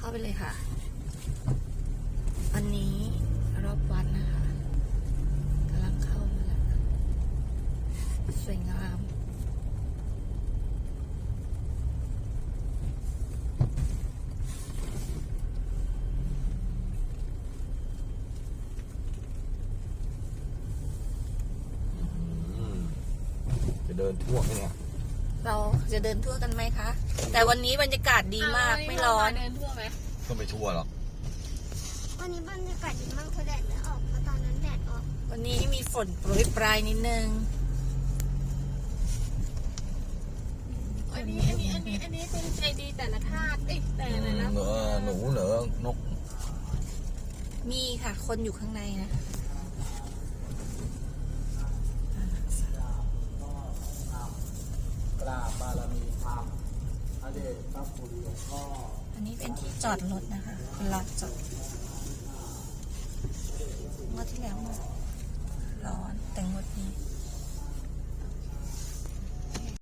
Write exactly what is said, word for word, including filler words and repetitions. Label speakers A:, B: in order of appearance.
A: าไปเลยค่ะอันนี้รอบวัดนะคะกำลังเข้ามาแล้วสวยงาม
B: จะเดินทั่วไหมเนี่ย
A: เราจะเดินทั่วกันไหมคะแต่วันนี้บรรยากาศดีมากไม่ร้อน
C: เดินทั่วไหม
B: ก็ไม่ทั่วหรอก
D: วันนี้บรรยากาศดีมากเพราะแดดไม่ออกเพราะตอนนั้นแดดออก
A: วันนี้มีฝนโปรยปลายนิดนึง
C: อันนี้อันนี้อันนี้อันนี้เป็นใจดีแต่ละธาตุเอ้ยแต่ละนะ
B: เหนือหนูเหนือนก
A: มีค่ะคนอยู่ข้างในนะ
E: กราบบารมีธรรมพระเดชพระคุณหลวงพ่อ
A: อันนี้เป็นที่จอดรถนะคะเป็นลานจอด